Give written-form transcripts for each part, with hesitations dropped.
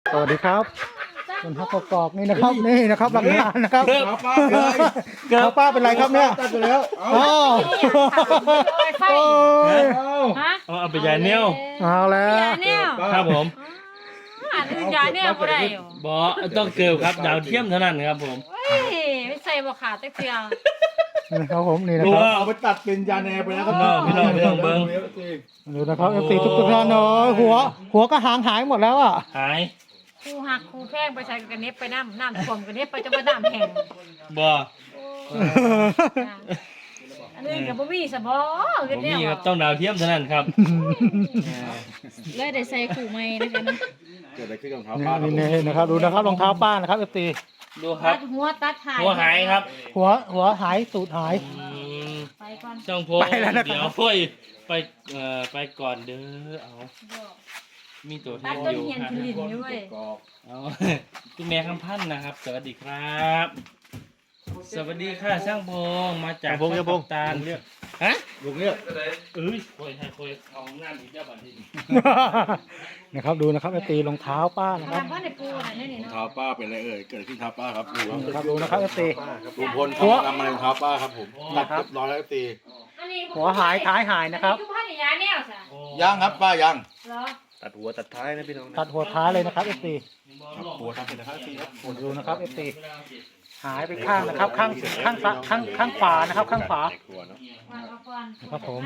สวัสดีครับคุณฮักกอกนี่นะครับนี่นะครับหลักฐานนะครับป้าเป็นไรครับเนี่ยตัดไปแล้วอ๋อเอาไปยาเนี้ยเอาแล้วครับผมยาเนี่ยบ่ได้บอต้องเกิลครับดาวเทียมเท่านั้นครับผมไม่ใส่บ่ขาดตะเกียงนี่นะครับผมนี่นะดูครับว่าเอาไปตัดเป็นยาแนไปแล้วครับพี่น้องเรื่องเบิ้งดูนะครับตีทุกท่านเนาะหัวก็หางหายหมดแล้วอ่ะหายครูหักครูแพงไปใส่กันเน็บไปน้ำท่วมกันเน็บไปจะมาน้ำแห้งบออันนี้กับบ่มีซะบ่ผมเฮ็ดแนมีวครับต้องดาวเทียมเท่านั้นครับเลยได้ใส่ขู่ใหม่นะคะนะเกิดอะไรขึ้นกับเท้าป้านี่นะครับดูนะครับรองเท้าป้านะครับตีดูครัตับดหัวตัดหายหัวหายครับหัวหายตูดหายไปก่อนช่องโพเดี๋ยวพ่อยไปก่อนเด้อเอามีตัวเทตัดปต้นอยู่เฮียนครับขึ้นลิ้นอยู่เว้ยเอาคุณแม่คำพันธ์นะครับ สวัสดีครับ สวัสดีค่ะช่างพงมาจากตาลฮะลุงเนี่ยคุยให้คุยเอางานอีกเจ้าบัตรที่นะครับดูนะครับตีรองเท้าป้านะครับทำบ้านในปูน่ะนี่เนาะเท้าป้าเป็นอะไรเอ่ยเกิดขึ้นเท้าป้าครับดูครับนะครับดูนะครับตีลุงพลทำอะไรเท้าป้าครับผมตัดเรียบร้อยแล้วตีอันนี้หัวหายท้ายหายนะครับคือผ้าหยาแนวซะย่างครับป้าย่างเหรอตัดหัวตัดท้ายนะพี่น้องตัดหัวท้ายเลยนะครับตีครับหัวทำเป็นนะครับตีครับดูนะครับตีหายไปข้างนะครับข้างขวานะครับข้างขวาในครัวเนาะวางเอาก่อนครับผม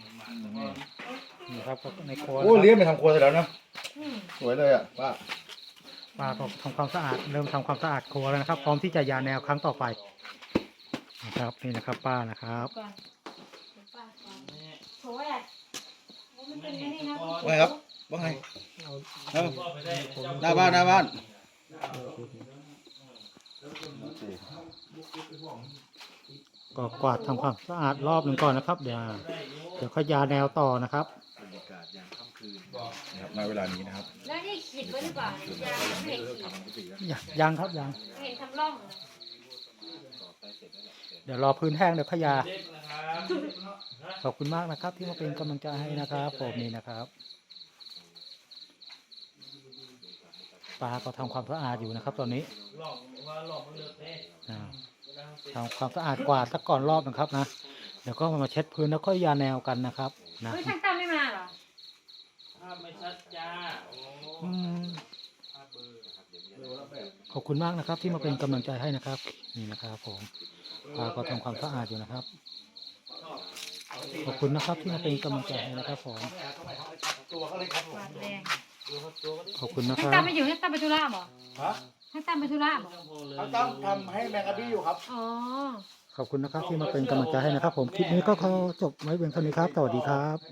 นี่ครับในครัวโอ้เลี้ยงไปทำครัวเสร็จแล้วนะอืมสวยเลยอ่ะป้าป้าก็ทำความสะอาดเริ่มทำความสะอาดครัวแล้วนะครับ พร้อมที่จะยาแนวครั้งต่อไปนะครับนี่นะครับป้านะครับก่อนป้าก่อนโถ่อ่ะมันเป็นไงนี่นะว่าไงครับว่าไงหน้าบ้านก็กวาดทำความสะอาดรอบหนึ่งก่อนนะครับ เดี๋ยวขยาแนวต่อนะครับบรรยากาศยามค่ำคืนนะครับในเวลานี้นะครับแล้วนี่ขีดไว้หรือเปล่ายาไม่เห็นขีดทำพิธีแล้วยังครับยังไม่เห็นทำร่องเลยเดี๋ยวรอพื้นแห้งเดี๋ยวขยาขอบคุณมากนะครับ ที่มาเป็นกำลังใจให้นะครับผมนี่นะครับป้าก็ทำความสะอาดอยู่นะครับ ตอนนี้ทำความสะอาดกวาดสักก่อนรอบนะครับนะเดี๋ยวก็มาเช็ดพื้นแล้วก็ยาแนวกันนะครับนะเฮ้ยช่างตั้มไม่มาเหรอไม่ชัดจ้าอืมขอบคุณมากนะครับ ที่มาเป็นกำลังใจให้นะครับ นี่นะครับผมป้าก็ทำความสะอาดอยู่นะครับ ขอบคุณนะครับที่มาเป็นกำลังใจให้นะครับผมหวานแรงขอบคุณนะคช่างรัตั้บมไม่อยู่ช่างตั้มไปธุระบ่ฮะช่างตั้มไปธุระบ่เขาตั้งทำให้แมงกะบี้อยู่ครับอ๋อขอบคุณนะครับที่มาเป็นกำลังใจให้นะครับ ผมคลิปนี้ก็ขอจบไว้เพียงเท่านี้ครับสวัสดีครับ